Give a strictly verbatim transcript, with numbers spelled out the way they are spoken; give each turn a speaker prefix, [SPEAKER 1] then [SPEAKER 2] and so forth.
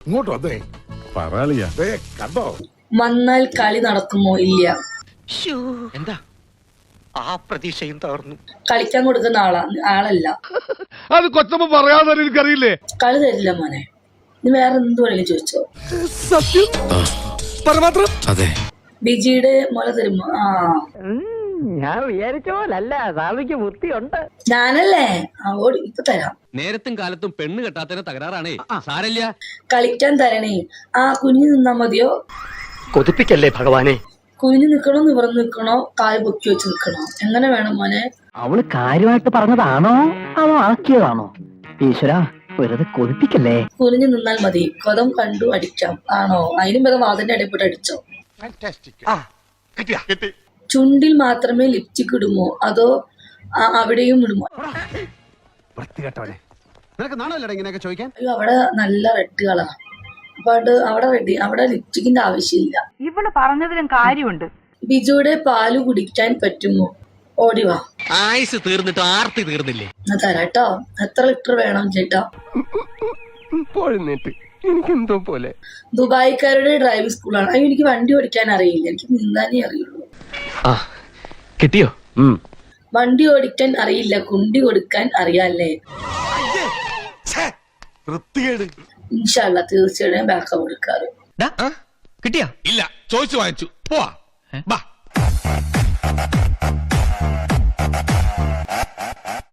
[SPEAKER 1] ഇങ്ങോട്ട് വന്നേ കണ്ടോ
[SPEAKER 2] വന്നാൽ കളി നടക്കുമോ? ഇല്ല.
[SPEAKER 3] എന്താ ആ പ്രതീക്ഷയും തകർന്നു.
[SPEAKER 2] കളിക്കാൻ കൊടുക്കുന്ന ആളാ ആളല്ല.
[SPEAKER 1] അത് കൊച്ചമ്മ പറയാതെ എനിക്കറിയില്ലേ.
[SPEAKER 2] കളി തരില്ല മോനെ. നീ വേറെ എന്ത് വേണമെങ്കിലും ചോദിച്ചോ.
[SPEAKER 4] അതെ.
[SPEAKER 2] ബിജിയുടെ മുല തരുമോ? ആ
[SPEAKER 5] ഞാൻ വിചാരിച്ച പോലല്ല, സ്വാമിക്ക് ബുദ്ധിയുണ്ട്.
[SPEAKER 2] ഞാനല്ലേ ആ ഓടി ഇപ്പൊ തരാം.
[SPEAKER 6] നേരത്തും കാലത്തും പെണ്ണ് കെട്ടാത്തതിന് തകരാറാണേ. സാരല്ല,
[SPEAKER 2] കളിക്കാൻ തരണേ. ആ കുഞ്ഞു നിന്നാ മതിയോ?
[SPEAKER 3] കൊതിപ്പിക്കല്ലേ ഭഗവാനെ.
[SPEAKER 2] കുഞ്ഞു നിക്കണോ, നിവർന്ന് നിക്കണോ, കാല് പൊക്കി വെച്ച് നിക്കണോ? എങ്ങനെ വേണം മോനെ?
[SPEAKER 5] അവള് കാര്യമായിട്ട് പറഞ്ഞതാണോ അതോ ആക്കിയതാണോ? ഈശ്വര, വെറുതെ കൊതിപ്പിക്കല്ലേ.
[SPEAKER 2] കുനിഞ്ഞു നിന്നാൽ മതി, കൊതം കണ്ടു അടിക്കാം. ആണോ? അതിനും വരെ വാതിന്റെ ഇടയിൽപ്പെട്ട് അടിച്ചോ. ചുണ്ടിൽ മാത്രമേ ലിപ്സ്റ്റിക് ഇടുമോ അതോ അവിടെയും ഇടുമോ? അയ്യോ, അവിടെ നല്ല റെഡ് കളറാ. അപ്പൊ അത് അവിടെ റെഡ്, അവിടെ ലിപ്സ്റ്റിക്കിന്റെ ആവശ്യമില്ല.
[SPEAKER 7] ഇവള് പറഞ്ഞതിലും കാര്യമുണ്ട്.
[SPEAKER 2] ബിജുയുടെ പാല് കുടിക്കാൻ പറ്റുമോ? ഓടിവാ.
[SPEAKER 6] ആയുസ് തീർന്നിട്ട് ആർത്തി തീർന്നില്ലേ?
[SPEAKER 2] എന്നാ തരാട്ടോ. എത്ര ലിറ്റർ വേണം ചേട്ടാ?
[SPEAKER 5] എനിക്കെന്തോ പോലെ.
[SPEAKER 2] ദുബായിക്കാരുടെ ഡ്രൈവിംഗ് സ്കൂളാണ്. അയ്യോ, എനിക്ക് വണ്ടി ഓടിക്കാൻ അറിയില്ല, എനിക്ക് നീന്താനേ അറിയുള്ളൂ.
[SPEAKER 3] കിട്ടിയോ?
[SPEAKER 2] വണ്ടി ഓടിക്കാൻ അറിയില്ല, കുണ്ടി കൊടുക്കാൻ അറിയാല്ലേ? ഇൻഷാല്ലാ തീർച്ചയായിട്ടും ബാക്കപ്പ് കൊടുക്കാറ്.
[SPEAKER 6] കിട്ടിയാ?
[SPEAKER 1] ഇല്ല, ചോദിച്ചു വാങ്ങിച്ചു. പോവാ.